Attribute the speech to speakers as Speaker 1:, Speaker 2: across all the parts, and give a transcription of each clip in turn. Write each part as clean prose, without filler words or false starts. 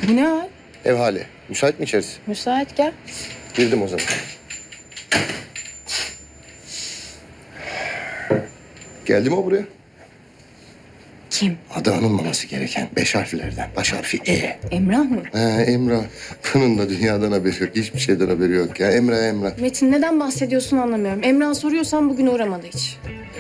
Speaker 1: Bu ne hal?
Speaker 2: Ev hali. Müsait mi içerisi?
Speaker 1: Müsait, gel.
Speaker 2: Girdim o zaman. Geldi mi o buraya?
Speaker 1: Kim?
Speaker 2: Adı anılmaması gereken 5 harflerden. Baş harfi E.
Speaker 1: Emrah mı?
Speaker 2: Emrah. Bunun da dünyadan haberi yok. Hiçbir şeyden haberi yok ya. Emrah.
Speaker 1: Metin, neden bahsediyorsun anlamıyorum. Emrah'a soruyorsan bugün uğramadı hiç.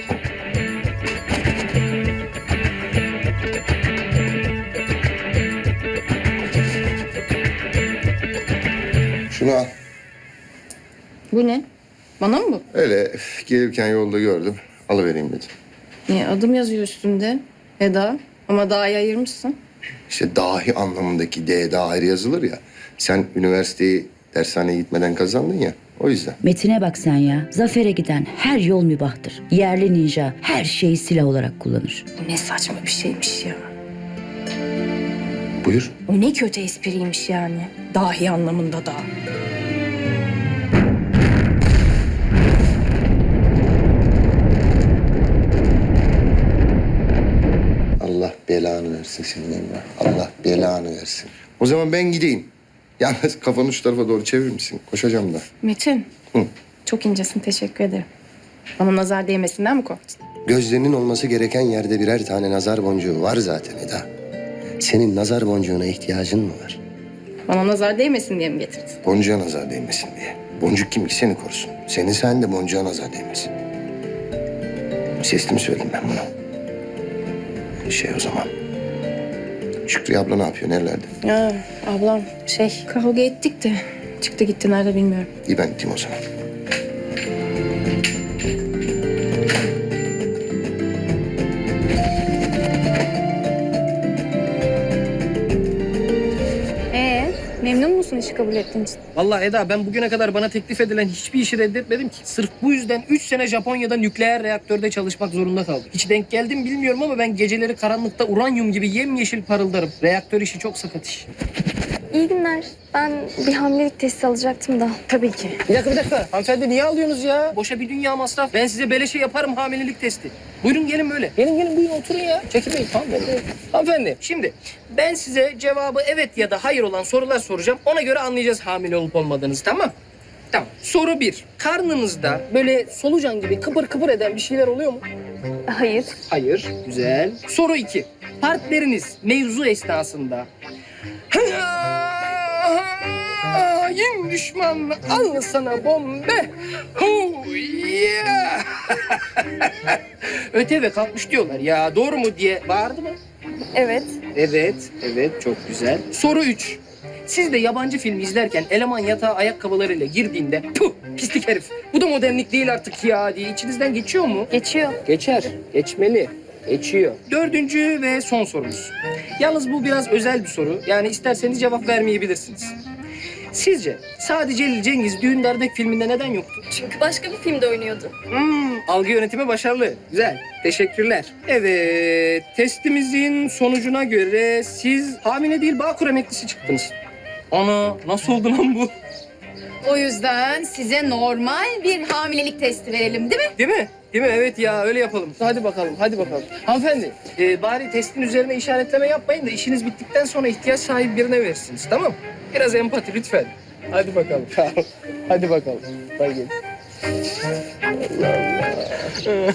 Speaker 2: Şunu al.
Speaker 1: Bu ne? Bana mı bu?
Speaker 2: Öyle gelirken yolda gördüm. Alıvereyim dedim.
Speaker 1: Niye? Adım yazıyor üstünde. Eda. Ama daha ayırmışsın.
Speaker 2: İşte dahi anlamındaki D daha ayrı yazılır ya. Sen üniversiteyi dershaneye gitmeden kazandın ya. O yüzden.
Speaker 3: Metin'e bak sen ya. Zafere giden her yol mübahtır. Yerli ninja her şeyi silah olarak kullanır.
Speaker 1: Bu ne saçma bir şeymiş ya.
Speaker 2: Buyur.
Speaker 1: O ne kötü espriymiş yani. Dahi anlamında da.
Speaker 2: Allah belanı versin senin Emrah. Allah belanı versin. O zaman ben gideyim. Yalnız kafanı şu tarafa doğru çevirir misin? Koşacağım da.
Speaker 1: Metin.
Speaker 2: Hı.
Speaker 1: Çok incesin, teşekkür ederim. Bana nazar değmesinden mi korktun?
Speaker 2: Gözlerinin olması gereken yerde birer tane nazar boncuğu var zaten Eda. Senin nazar boncuğuna ihtiyacın mı var?
Speaker 1: Bana nazar değmesin diye mi getirdin?
Speaker 2: Boncuğa nazar değmesin diye. Boncuk kim ki seni korusun. Senin sen de boncuğa nazar değmesin. Sesli mi söyleyeyim ben bunu? O zaman. Şükrü abla ne yapıyor? Nerelerde?
Speaker 1: Ya ablam kavga ettik de çıktı gitti nerede bilmiyorum.
Speaker 2: İyi ben gideyim o zaman.
Speaker 1: Memnun musun işi kabul ettiğin için?
Speaker 4: Vallahi Eda ben bugüne kadar bana teklif edilen hiçbir işi reddetmedim ki. Sırf bu yüzden 3 sene Japonya'da nükleer reaktörde çalışmak zorunda kaldım. Hiç denk geldim bilmiyorum ama ben geceleri karanlıkta uranyum gibi yemyeşil parıldarım. Reaktör işi çok sakat iş.
Speaker 5: İyi günler. Ben bir hamilelik testi alacaktım da.
Speaker 1: Tabii ki.
Speaker 4: Bir dakika. Hanımefendi niye alıyorsunuz ya? Boşa bir dünya masraf. Ben size beleşe yaparım hamilelik testi. Buyurun gelin böyle. Gelin buyurun oturun ya. Çekinmeyin hanımefendi. Hanımefendi şimdi ben size cevabı evet ya da hayır olan sorular soracağım. Ona göre anlayacağız hamile olup olmadığınızı, tamam? Tamam. Soru 1. Karnınızda böyle solucan gibi kıpır kıpır eden bir şeyler oluyor mu?
Speaker 5: Hayır.
Speaker 4: Hayır. Güzel. Soru 2. Partneriniz mevzu esnasında hain düşman al sana bombe. Yeah. Öte ve kalkmış diyorlar ya, doğru mu diye bağırdı mı?
Speaker 5: Evet.
Speaker 4: Evet çok güzel. Soru 3. Siz de yabancı film izlerken eleman yatağa ayakkabılarıyla girdiğinde puh pislik herif bu da modernlik değil artık ya diye içinizden geçiyor mu?
Speaker 5: Geçiyor.
Speaker 4: Geçer. Geçmeli. Geçiyor. 4. ve son sorumuz. Yalnız bu biraz özel bir soru. Yani isterseniz cevap vermeyebilirsiniz. Sizce Sadi Celil Cengiz Düğünler'deki filminde neden yoktu?
Speaker 5: Çünkü başka bir filmde oynuyordu.
Speaker 4: Algı yönetimi başarılı. Güzel. Teşekkürler. Evet. Testimizin sonucuna göre siz hamile değil Bağkur emeklisi çıktınız. Ana nasıl oldu lan bu?
Speaker 6: O yüzden size normal bir hamilelik testi verelim değil mi?
Speaker 4: Değil mi? Değil mi? Evet ya öyle yapalım. Hadi bakalım. Hanımefendi bari testin üzerine işaretleme yapmayın da işiniz bittikten sonra ihtiyaç sahibi birine verirsiniz, tamam mı? Biraz empati lütfen. Hadi bakalım. Hadi bakalım. Bay gelin. Allah Allah.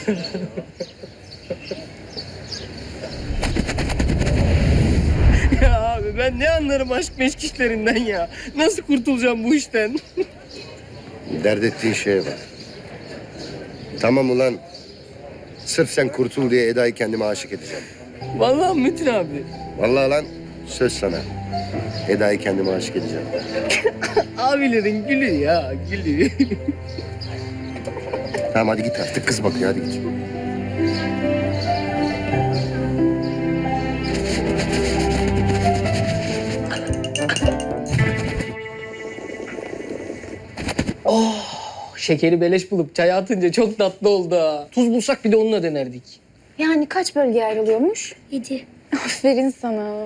Speaker 4: Ya abi ben ne anlarım aşk meşk işlerinden ya. Nasıl kurtulacağım bu işten?
Speaker 2: Dert ettiğin şeye bak. Tamam ulan. Sırf sen kurtul diye Eda'yı kendime aşık edeceğim.
Speaker 4: Vallahi Metin abi.
Speaker 2: Vallahi lan söz sana. Eda'yı kendime aşık edeceğim.
Speaker 4: Abilerin gülü ya gülü.
Speaker 2: Tamam hadi git artık kız bakıyor hadi git.
Speaker 4: Şekeri beleş bulup çaya atınca çok tatlı oldu ha. Tuz bulsak bir de onunla denerdik.
Speaker 5: Yani kaç bölgeye ayrılıyormuş?
Speaker 6: 7.
Speaker 5: Aferin sana.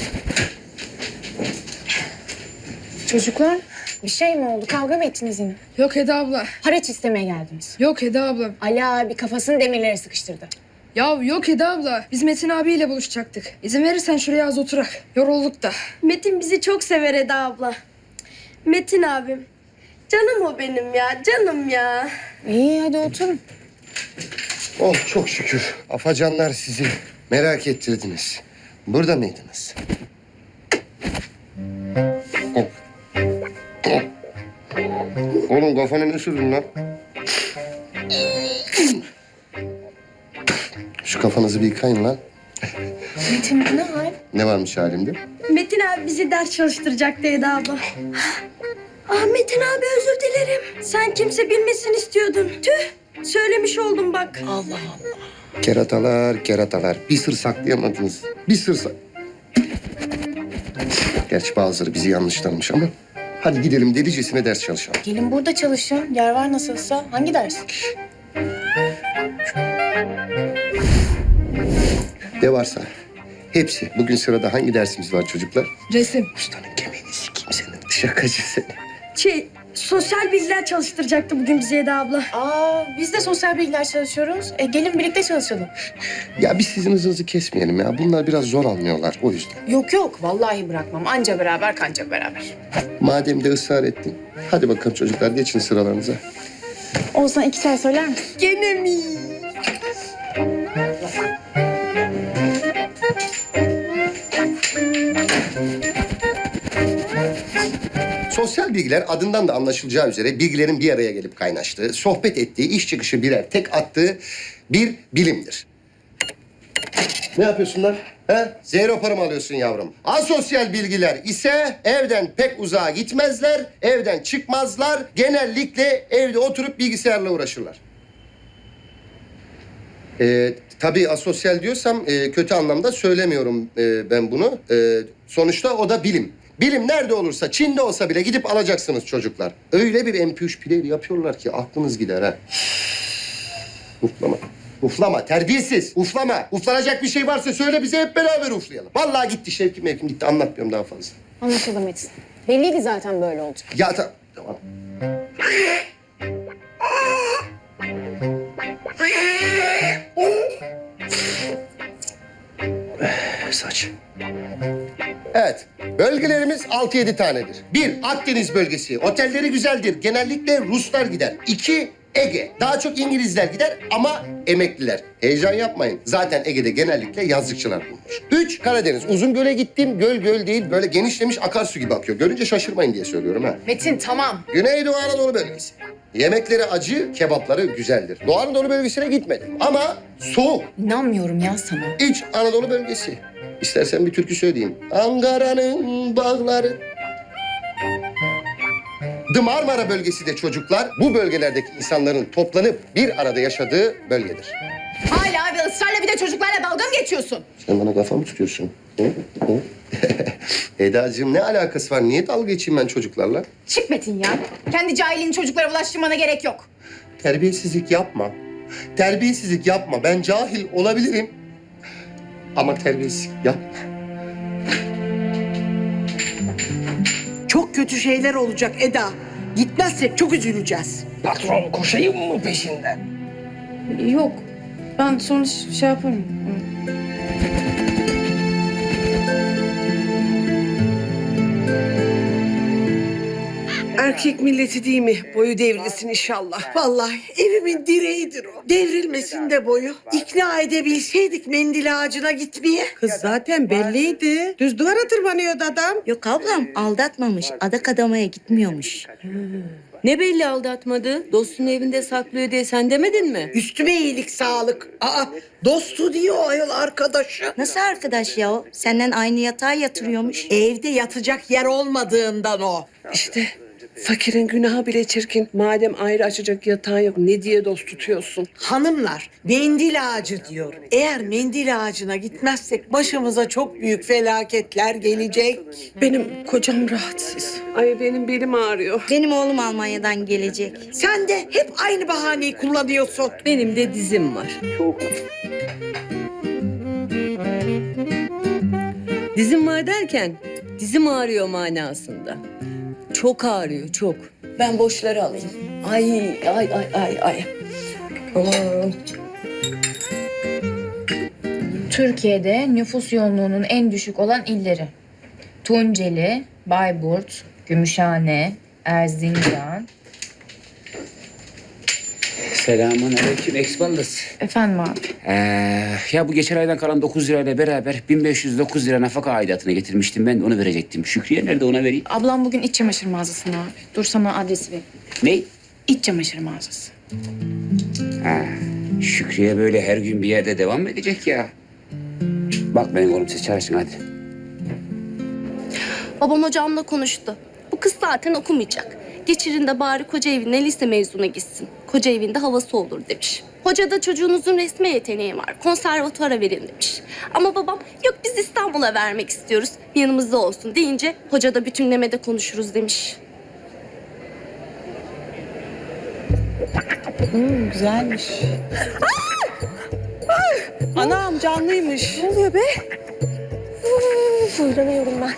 Speaker 1: Çocuklar bir şey mi oldu? Kavga mı ettiniz yine?
Speaker 7: Yok Eda abla.
Speaker 1: Haraç istemeye geldiniz.
Speaker 7: Yok Eda abla.
Speaker 1: Ali abi kafasını demirlere sıkıştırdı.
Speaker 7: Ya yok Eda abla. Biz Metin abiyle buluşacaktık. İzin verirsen şuraya az oturak. Yorulduk da.
Speaker 8: Metin bizi çok sever Eda abla. Metin abim. Canım o benim ya, canım ya.
Speaker 1: İyi hadi oturun.
Speaker 2: Oh çok şükür. Afacanlar sizi merak ettirdiniz. Burada mıydınız? Oh. Oh. Oğlum kafanı ne sürdün lan? Şu kafanızı bir yıkayın lan.
Speaker 1: Metin bu ne hal?
Speaker 2: Ne varmış halimde?
Speaker 8: Metin abi bizi ders çalıştıracaktı Eda abla. Ah Metin abi özür dilerim. Sen kimse bilmesin istiyordun. Tüh, söylemiş oldum bak.
Speaker 2: Keratalar, keratalar. Bir sır saklayamadınız. Bir sır Gerçi bazıları bizi yanlış tanımış ama... Hadi gidelim delicesine ders çalışalım.
Speaker 1: Gelin burada çalışın. Yer var nasılsa. Hangi ders?
Speaker 2: Ne varsa. Hepsi. Bugün sırada hangi dersimiz var çocuklar?
Speaker 7: Resim.
Speaker 2: Ustanın kemiğini sikeyim senin. Şakacı seni.
Speaker 8: Sosyal bilgiler çalıştıracaktı bugün bize Eda abla.
Speaker 1: Aa biz de sosyal bilgiler çalışıyoruz. Gelin birlikte çalışalım.
Speaker 2: Ya biz sizin hızınızı kesmeyelim ya. Bunlar biraz zor anlıyorlar o yüzden.
Speaker 1: Yok yok vallahi bırakmam. Anca beraber kanca beraber.
Speaker 2: Madem de ısrar ettin. Hadi bakalım çocuklar geçin sıralarınıza.
Speaker 1: Olsan 2 çay söyler misin?
Speaker 8: Gene mi?
Speaker 2: Sosyal bilgiler adından da anlaşılacağı üzere bilgilerin bir araya gelip kaynaştığı, sohbet ettiği, iş çıkışı birer tek attığı bir bilimdir. Ne yapıyorsun lan? He? Zero para mı alıyorsun yavrum? Asosyal bilgiler ise evden pek uzağa gitmezler, evden çıkmazlar. Genellikle evde oturup bilgisayarla uğraşırlar. Tabii asosyal diyorsam kötü anlamda söylemiyorum ben bunu. Sonuçta o da bilim. Bilim nerede olursa, Çin'de olsa bile gidip alacaksınız çocuklar. Öyle bir MP3 player yapıyorlar ki aklınız gider ha. Uflama. Uflama, terbiyesiz. Uflama. Uflanacak bir şey varsa söyle bize hep beraber uflayalım. Vallahi gitti Şevkim Mevkim gitti. Anlatmıyorum daha fazla.
Speaker 1: Anlaşıldı Metin. Belliydi zaten böyle olacak.
Speaker 2: Ya tamam. Saç. Evet, bölgelerimiz 6-7 tanedir. 1. Akdeniz bölgesi. Otelleri güzeldir. Genellikle Ruslar gider. 2. Ege. Daha çok İngilizler gider ama emekliler. Heyecan yapmayın. Zaten Ege'de genellikle yazlıkçılar bulunur. 3. Karadeniz. Uzungöl'e gittim. Göl değil, böyle genişlemiş akarsu gibi akıyor. Görünce şaşırmayın diye söylüyorum ha.
Speaker 1: Metin tamam.
Speaker 2: Güneydoğu Anadolu bölgesi. Yemekleri acı, kebapları güzeldir. Doğu Anadolu bölgesine gitmedim ama soğuk.
Speaker 1: İnanmıyorum ya sana.
Speaker 2: İç Anadolu bölgesi. İstersen bir türkü söyleyeyim. Ankara'nın bağları. Marmara bölgesi de çocuklar bu bölgelerdeki insanların toplanıp bir arada yaşadığı bölgedir.
Speaker 6: Hala ve ısrarla bir de çocuklarla dalga mı geçiyorsun?
Speaker 2: Sen bana kafa mı tutuyorsun? Hı? Hı? Edacığım ne alakası var? Niye dalga geçeyim ben çocuklarla?
Speaker 6: Çık Metin ya. Kendi cahilliğini çocuklara bulaştırmana gerek yok.
Speaker 2: Terbiyesizlik yapma. Terbiyesizlik yapma. Ben cahil olabilirim. Ama terbiyesizlik yapma.
Speaker 9: Çok kötü şeyler olacak Eda. Gitmezsek çok üzüleceğiz.
Speaker 4: Patron koşayım mı peşinden?
Speaker 1: Yok. Ben sonra şey yaparım.
Speaker 9: Erkek milleti değil mi? Boyu devrilsin inşallah. Vallahi evimin direğidir o. Devrilmesin de boyu. İkna edebilseydik mendil ağacına gitmeye. Kız zaten belliydi. Düz duvara tırmanıyordu adam.
Speaker 3: Yok ablam aldatmamış. Adak adamaya gitmiyormuş.
Speaker 10: Ne belli aldatmadı? Dostun evinde saklıyor diye sen demedin mi?
Speaker 9: Üstüme iyilik sağlık. Aa, dostu diyor ayol arkadaşı.
Speaker 3: Nasıl arkadaş ya o? Senden aynı yatağa yatırıyormuş.
Speaker 9: Evde yatacak yer olmadığından o. İşte fakirin günahı bile çirkin. Madem ayrı açacak yatağın yok ne diye dost tutuyorsun? Hanımlar mendil ağacı diyor. Eğer mendil ağacına gitmezsek başımıza çok büyük felaketler gelecek. Benim kocam rahatsız. Ay benim belim ağrıyor.
Speaker 3: Benim oğlum Almanya'dan gelecek.
Speaker 9: Sen de hep aynı bahaneyi kullanıyorsun.
Speaker 10: Benim de dizim var. Dizim var derken dizim ağrıyor manasında. Çok ağrıyor, çok. Ben boşları alayım. Ay. Aman.
Speaker 6: Türkiye'de nüfus yoğunluğunun en düşük olan illeri. Tunceli, Bayburt, Gümüşhane, Erzincan.
Speaker 11: Selamünaleyküm Eksballıs.
Speaker 1: Efendim abi.
Speaker 11: Ya bu geçen aydan kalan 9 lirayla beraber 1509 lira nafaka aidatını getirmiştim. Ben de onu verecektim. Şükriye nerede, ona vereyim?
Speaker 1: Ablam bugün iç çamaşır mağazasına abi. Dur sana adresi ver.
Speaker 11: Ne?
Speaker 1: İç çamaşır mağazası.
Speaker 11: Şükriye böyle her gün bir yerde devam mı edecek ya? Bak benim oğlum, siz çalışın hadi.
Speaker 5: Babam hocamla konuştu. Bu kız zaten okumayacak. Geçirin de bari koca evine lise mezuna gitsin. Koca evinde havası olur demiş. Hoca da çocuğunuzun resme yeteneği var. Konservatuvara verin demiş. Ama babam yok biz İstanbul'a vermek istiyoruz. Yanımızda olsun deyince hoca da bütünlemede konuşuruz demiş.
Speaker 9: Güzelmiş. Anam canlıymış.
Speaker 5: Ne oluyor be? Fırlanıyorum ben.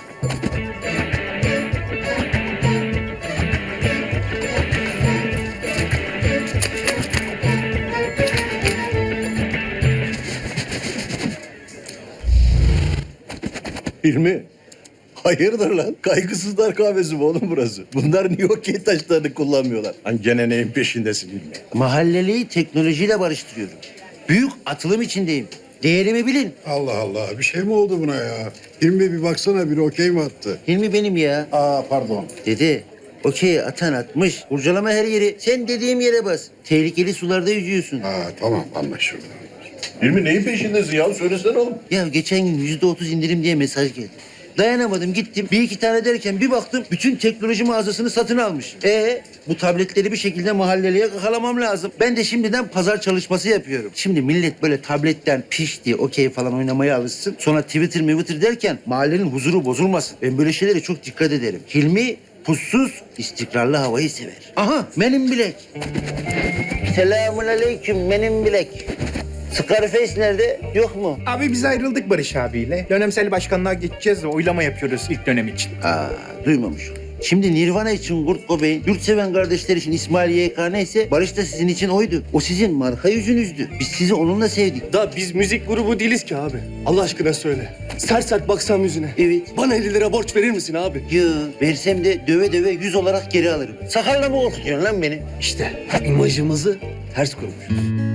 Speaker 12: Hilmi, hayırdır lan? Kaygısızlar kahvesi mi oğlum burası? Bunlar niye okey taşlarını kullanmıyorlar? Hani gene neyin peşindesin Hilmi?
Speaker 2: Mahalleliyi teknolojiyle barıştırıyorum. Büyük atılım içindeyim. Değerimi bilin.
Speaker 13: Allah Allah, bir şey mi oldu buna ya? Hilmi bir baksana, biri okey mi attı?
Speaker 2: Hilmi benim ya.
Speaker 13: Aa pardon.
Speaker 2: Dede, okey atan atmış. Kurcalama her yeri. Sen dediğim yere bas. Tehlikeli sularda yüzüyorsun.
Speaker 13: Tamam, anlaşıldı.
Speaker 12: Hilmi neyin peşindesin ya? Söylesene oğlum.
Speaker 2: Ya geçen gün %30 indirim diye mesaj geldi. Dayanamadım, gittim. Bir iki tane derken bir baktım bütün teknoloji mağazasını satın almış. Bu tabletleri bir şekilde mahalleliye kakalamam lazım. Ben de şimdiden pazar çalışması yapıyorum. Şimdi millet böyle tabletten piş diye okey falan oynamaya alışsın. Sonra Twitter derken mahallenin huzuru bozulmasın. Ben böyle şeylere çok dikkat ederim. Hilmi pussuz, istikrarlı havayı sever. Aha, benim bilek. Selamünaleyküm, benim bilek. Scarface nerede? Yok mu?
Speaker 14: Abi biz ayrıldık Barış abiyle. Dönemsel başkanlığa geçeceğiz de oylama yapıyoruz ilk dönem için.
Speaker 2: Duymamış. Şimdi Nirvana için Kurt Cobain, yurtseven kardeşler için İsmail YK neyse Barış da sizin için oydu. O sizin marka yüzünüzdü. Biz sizi onunla sevdik.
Speaker 14: Da biz müzik grubu değiliz ki abi. Allah aşkına söyle. Sert sert baksam yüzüne.
Speaker 2: Evet.
Speaker 14: Bana 50 lira borç verir misin abi?
Speaker 2: Yo, versem de döve döve 100 olarak geri alırım. Sakarla mı korkutuyorsun lan beni?
Speaker 14: İşte imajımızı ters kurmuşuz.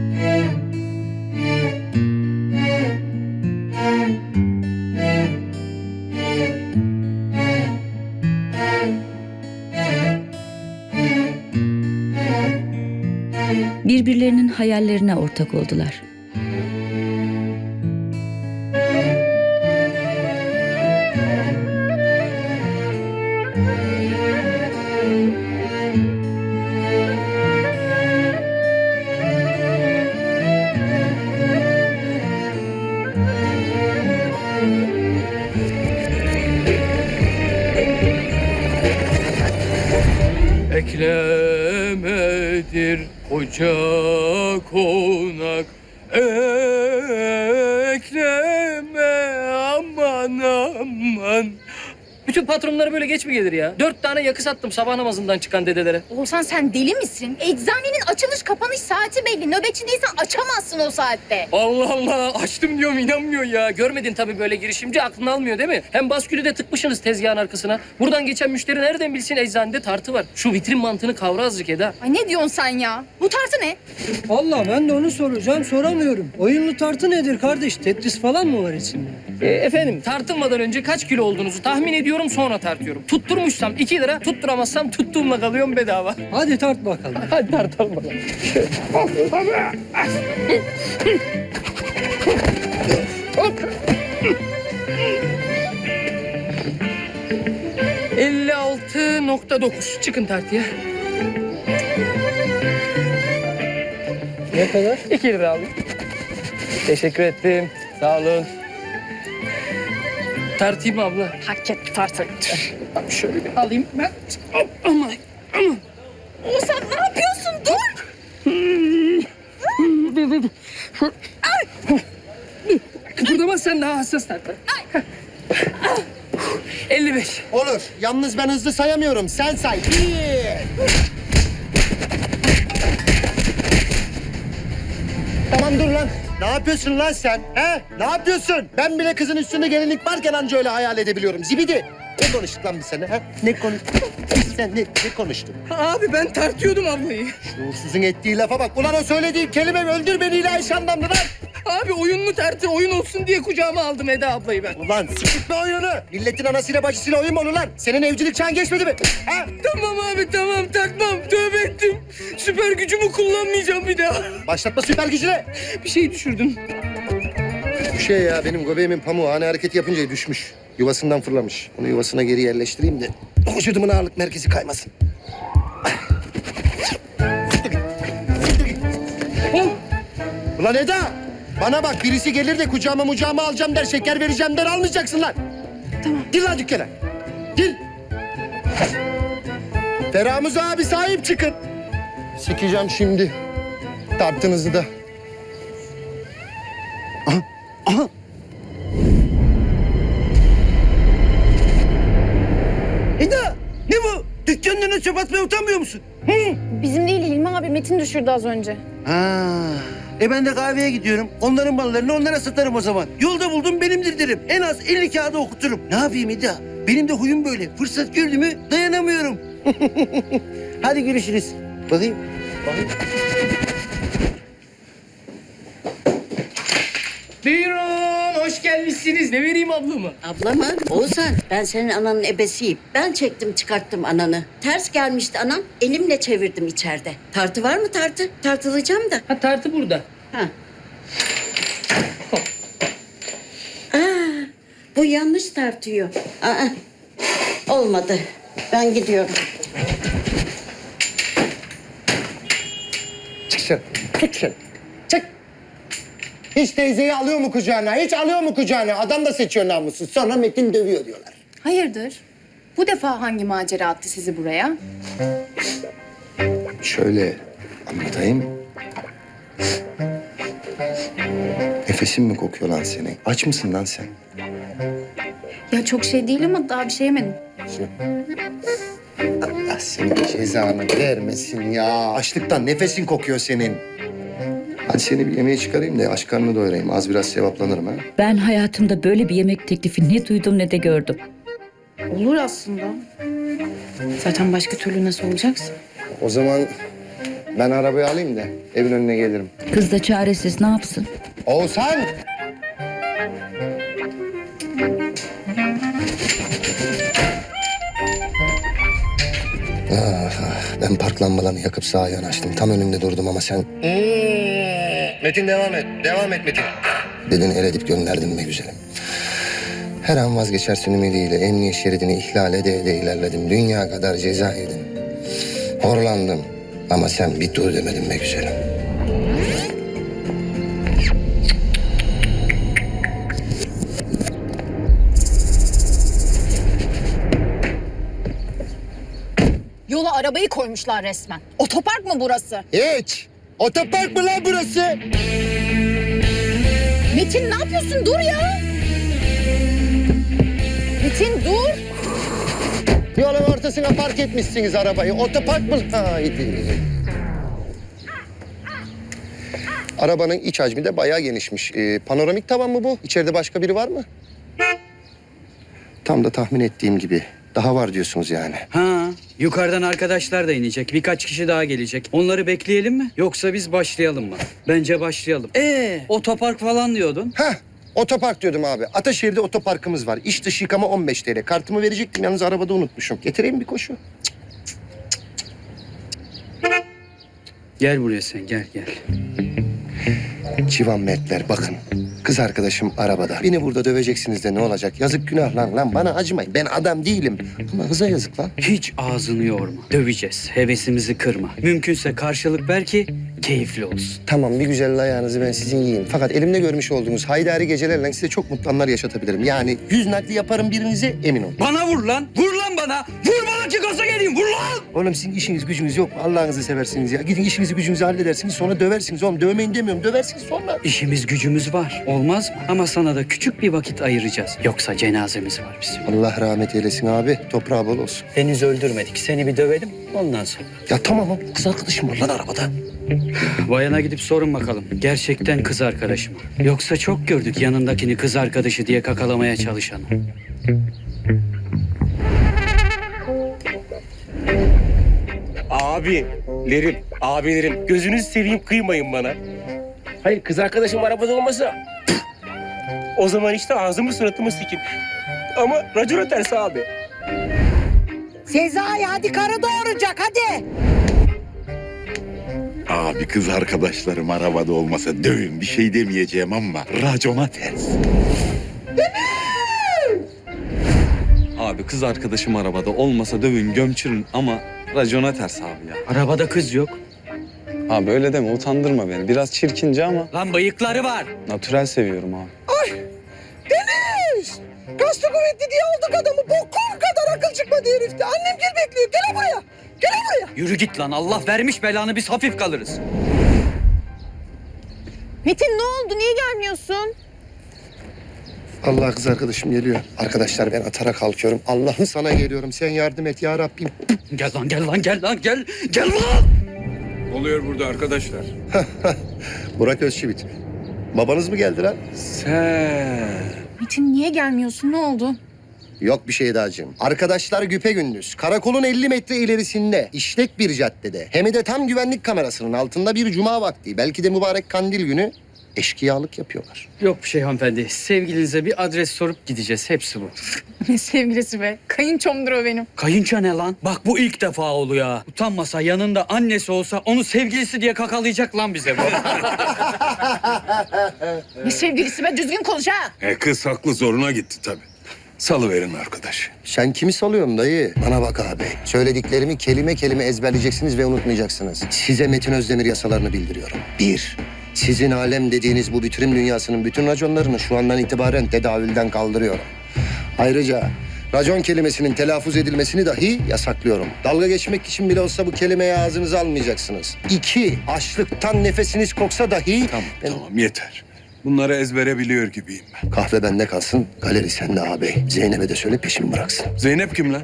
Speaker 3: Birbirlerinin hayallerine ortak oldular.
Speaker 4: Eklemedir koca konak, ekleme aman aman. Bütün patronlara böyle geç mi gelir ya? 4 tane yakı sattım sabah namazından çıkan dedelere.
Speaker 6: Oğuzhan sen deli misin? Eczanenin açılış kapanış saati belli. Nöbetçi değilsen açamazsın o saatte.
Speaker 4: Allah Allah, açtım diyorum inanmıyor ya. Görmedin tabii böyle girişimci, aklını almıyor değil mi? Hem baskülü de tıkmışsınız tezgahın arkasına. Buradan geçen müşteri nereden bilsin eczanede tartı var. Şu vitrin mantığını kavra azıcık Eda.
Speaker 6: Ay ne diyorsun sen ya? Bu tartı ne?
Speaker 14: Vallahi ben de onu soracağım, soramıyorum. Oyunlu tartı nedir kardeş? Tetris falan mı var içinde?
Speaker 4: Efendim tartılmadan önce kaç kilo olduğunuzu tahmin ediyorum, sonra tartıyorum. Tutturmuşsam 2 lira, tutturamazsam tuttuğumla kalıyorum bedava.
Speaker 14: Hadi tart bakalım.
Speaker 4: Hadi tartalım bakalım. 56,9. Çıkın tartıya.
Speaker 14: Ne kadar?
Speaker 4: 2 lira alayım. Teşekkür ettim. Sağ olun. Tartayım abla.
Speaker 6: Hak et tartı.
Speaker 4: Şöyle bir alayım ben. Aman.
Speaker 6: Oğuzhan ne yapıyorsun? Dur.
Speaker 4: Kıpırdama, sen daha hassas tart. 55.
Speaker 2: Olur. Yalnız ben hızlı sayamıyorum. Sen say. Tamam dur lan. Ne yapıyorsun lan sen? He? Ne yapıyorsun? Ben bile kızın üstünde gelinlik varken anca öyle hayal edebiliyorum. Zibidi. Ne konuştuk lan biz seninle? Ha? Ne konuştuk? Sen ne konuştun?
Speaker 4: Abi ben tartıyordum ablayı.
Speaker 2: Şuursuzun ettiği lafa bak. Ulan o söylediği kelime öldür beni ilahi şandanlı lan.
Speaker 4: Abi oyunlu tartı oyun olsun diye kucağıma aldım Eda ablayı ben.
Speaker 2: Ulan sikitme oyunu. Milletin anasıyla bacısıyla oyun mu olur lan? Senin evcilik çağın geçmedi mi? Ha?
Speaker 4: Tamam abi tamam takmam. Tövbe ettim. Süper gücümü kullanmayacağım bir daha.
Speaker 2: Başlatma süper gücüne.
Speaker 4: Bir şey düşürdüm.
Speaker 2: Bu şey ya benim göbeğimin pamuğu ani hareketi yapınca düşmüş. Yuvasından fırlamış. Onu yuvasına geri yerleştireyim de vücudumun ağırlık merkezi kaymasın. Ulan Eda! Bana bak birisi gelir de kucağıma alacağım der, şeker vereceğim der almayacaksın lan. Tamam. Gir lan dükkana. Gir. Feramuz abi sahip çıkın. Sikeceğim şimdi. Tartınızı da. Aha. Aha.
Speaker 14: Eda ne bu? Dükkanın önüne çöp atmaya utanmıyor musun?
Speaker 1: Bizim değil Hilmi abi. Metin düşürdü az önce.
Speaker 14: Ha. Ben de kahveye gidiyorum. Onların mallarını onlara satarım o zaman. Yolda buldum benimdir derim. En az 50 kağıda okuturum. Ne yapayım Eda? Benim de huyum böyle. Fırsat gördü mü dayanamıyorum. Hadi görüşürüz. Bakayım.
Speaker 4: Buyurun hoş gelmişsiniz. Ne vereyim ablamı?
Speaker 3: Abla mı? Oğuzhan, ben senin ananın ebesiyim. Ben çektim çıkarttım ananı. Ters gelmişti anam, elimle çevirdim içeride. Tartı var mı tartı? Tartılacağım da.
Speaker 4: Ha tartı burada.
Speaker 3: Ha. Bu yanlış tartıyor. Olmadı. Ben gidiyorum.
Speaker 2: Çık sen. Tut sen. Çık. Hiç teyzeyi alıyor mu kucağına? Hiç alıyor mu kucağına? Adam da seçiyor namussuz. Sonra Metin dövüyor diyorlar.
Speaker 1: Hayırdır? Bu defa hangi macera attı sizi buraya?
Speaker 2: Şöyle anlatayım. Nefesin mi kokuyor lan senin? Aç mısın lan sen?
Speaker 1: Ya çok şey değil ama daha bir şey yemedim.
Speaker 2: Allah senin cezanı vermesin ya. Açlıktan nefesin kokuyor senin. Hadi seni bir yemeğe çıkarayım da aç karnını doyurayım. Az biraz sevaplanırım ha.
Speaker 3: Ben hayatımda böyle bir yemek teklifi ne duydum ne de gördüm.
Speaker 1: Olur aslında. Zaten başka türlü nasıl olacaksın?
Speaker 2: O zaman ben arabayı alayım da evin önüne gelirim.
Speaker 3: Kız da çaresiz ne yapsın?
Speaker 2: Oğuzhan! Ben park lambalarını yakıp sağa yanaştım. Tam önünde durdum ama sen... Metin devam et. Devam et Metin. Dedin el edip gönderdin be güzelim. Her an vazgeçersin ümidiyle emniyet şeridini ihlal ede ilerledim. Dünya kadar ceza yedim. Horlandım ama sen bir dur demedin be güzelim.
Speaker 6: Yola arabayı koymuşlar resmen. Otopark mı burası?
Speaker 2: Hiç. Otopark mı lan burası?
Speaker 6: Metin ne yapıyorsun? Dur ya. Metin dur.
Speaker 2: Yolun ortasına park etmişsiniz arabayı. Otopark mı? Haydi. Arabanın iç hacmi de bayağı genişmiş. Panoramik tavan mı bu? İçeride başka biri var mı? Tam da tahmin ettiğim gibi. Daha var diyorsunuz yani.
Speaker 15: Ha, yukarıdan arkadaşlar da inecek. Birkaç kişi daha gelecek. Onları bekleyelim mi? Yoksa biz başlayalım mı? Bence başlayalım. Otopark falan diyordun.
Speaker 2: Heh, otopark diyordum abi. Ataşehir'de otoparkımız var. İç dış yıkama 15 TL. Kartımı verecektim yalnız arabada unutmuşum. Getireyim bir koşu.
Speaker 15: Gel buraya sen, gel.
Speaker 2: Civan Mertler bakın. Kız arkadaşım arabada. Beni burada döveceksiniz de ne olacak? Yazık günah lan bana acımayın. Ben adam değilim. Ama hıza yazık lan.
Speaker 15: Hiç ağzını yorma. Döveceğiz. Hevesimizi kırma. Mümkünse karşılık ver ki keyifli olsun.
Speaker 2: Tamam bir güzel ayağınızı ben sizin yiyeyim. Fakat elimde görmüş olduğunuz haydari gecelerle size çok mutlu anlar yaşatabilirim. Yani 100 nakli yaparım birinize emin olun.
Speaker 15: Bana vur lan! Vur lan bana! Vur bana ki gaza geleyim! Vur lan!
Speaker 2: Oğlum sizin işiniz gücünüz yok mu? Allah'ınızı seversiniz ya. Gidin işinizi gücünüzü halledersiniz sonra döversiniz oğlum. Dövmeyin demiyorum döversiniz sonra.
Speaker 15: İşimiz gücümüz var. Olmaz mı? Ama sana da küçük bir vakit ayıracağız. Yoksa cenazemiz var bizim.
Speaker 2: Allah rahmet eylesin abi. Toprağı bol olsun.
Speaker 15: Henüz öldürmedik. Seni bir dövelim ondan sonra.
Speaker 2: Ya tamam kız arkadaşım var lan arabada.
Speaker 15: Bayana gidip sorun bakalım. Gerçekten kız arkadaşı mı? Yoksa çok gördük yanındakini kız arkadaşı diye kakalamaya çalışanı.
Speaker 14: Abilerim gözünüzü seveyim kıymayın bana.
Speaker 11: Hayır kız arkadaşım arabada olmasa
Speaker 14: O zaman işte ağzımı suratımı sikin. Ama racona ters abi.
Speaker 9: Sezai hadi karı doğuracak hadi.
Speaker 12: Abi kız arkadaşlarım arabada olmasa dövün bir şey demeyeceğim ama racona ters.
Speaker 16: Abi kız arkadaşım arabada olmasa dövün gömçürün ama racona ters abi ya.
Speaker 15: Arabada kız yok.
Speaker 16: Abi öyle deme utandırma beni. Biraz çirkince ama
Speaker 15: Lan bıyıkları var.
Speaker 16: natürel seviyorum abi.
Speaker 9: Deniz! Kaslı kuvvetli diye aldık adamı. Bokum kadar akıl çıkmadı herifte. Annem gel bekliyor. Gel buraya. Gel buraya.
Speaker 15: Yürü git lan. Allah vermiş belanı, biz hafif kalırız.
Speaker 6: Metin ne oldu? Niye gelmiyorsun?
Speaker 2: Allah kız arkadaşım geliyor. Arkadaşlar ben atara kalkıyorum. Allah'ım sana geliyorum. Sen yardım et ya Rabbim.
Speaker 15: Gel lan gel lan gel lan gel. Gel lan.
Speaker 12: Oluyor burada arkadaşlar.
Speaker 2: Burak Özçivit. Babanız mı geldi lan?
Speaker 6: Metin niye gelmiyorsun? Ne oldu?
Speaker 2: Yok bir şey dacığım. Arkadaşlar güpegündüz. Karakolun 50 metre ilerisinde, işlek bir caddede. Hem de tam güvenlik kamerasının altında bir cuma vakti. Belki de mübarek kandil günü eşkıyalık yapıyorlar.
Speaker 15: Yok bir şey hanımefendi. Sevgilinize bir adres sorup gideceğiz. Hepsi bu.
Speaker 6: Ne sevgilisi be? Kayınçomdur o benim.
Speaker 15: Kayınço ne lan? Bak bu ilk defa oluyor ha. Utanmasa yanında annesi olsa onu sevgilisi diye kakalayacak lan bize bu.
Speaker 6: Ne sevgilisi be? Düzgün konuş ha.
Speaker 12: Kız haklı zoruna gitti tabii. Salıverin arkadaş.
Speaker 2: Sen kimi salıyorsun dayı? Bana bak abi. Söylediklerimi kelime kelime ezberleyeceksiniz ve unutmayacaksınız. Size Metin Özdemir yasalarını bildiriyorum. 1. Sizin alem dediğiniz bu bitirim dünyasının bütün raconlarını şu andan itibaren tedavülden kaldırıyorum. Ayrıca racon kelimesinin telaffuz edilmesini dahi yasaklıyorum. Dalga geçmek için bile olsa bu kelimeyi ağzınıza almayacaksınız. 2. Açlıktan nefesiniz koksa dahi...
Speaker 12: Tamam yeter. Bunları ezbere biliyor gibiyim ben.
Speaker 2: Kahve bende kalsın, galeri sende ağabey. Zeynep'e de söyle peşimi bıraksın.
Speaker 12: Zeynep kim lan?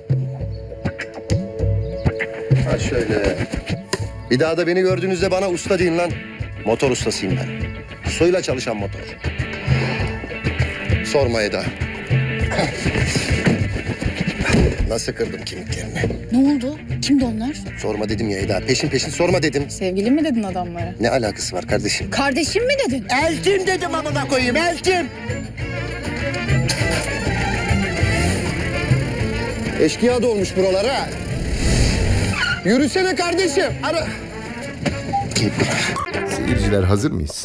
Speaker 2: Ha şöyle. Bir daha da beni gördüğünüzde bana usta deyin lan. Motor ustasıyım ben. Suyla çalışan motor. Sorma Eda. Nasıl kırdım kemiklerini?
Speaker 6: Ne oldu? Kimdi onlar?
Speaker 2: Sorma dedim ya Eda. Peşin peşin sorma dedim.
Speaker 6: Sevgili mi dedin adamlara?
Speaker 2: Ne alakası var kardeşim?
Speaker 6: Kardeşim mi dedin?
Speaker 9: Eltim dedim amına koyayım eltim.
Speaker 2: Eşkıya dolmuş buralara. Yürüsene kardeşim. Ara.
Speaker 17: Seyirciler hazır mıyız?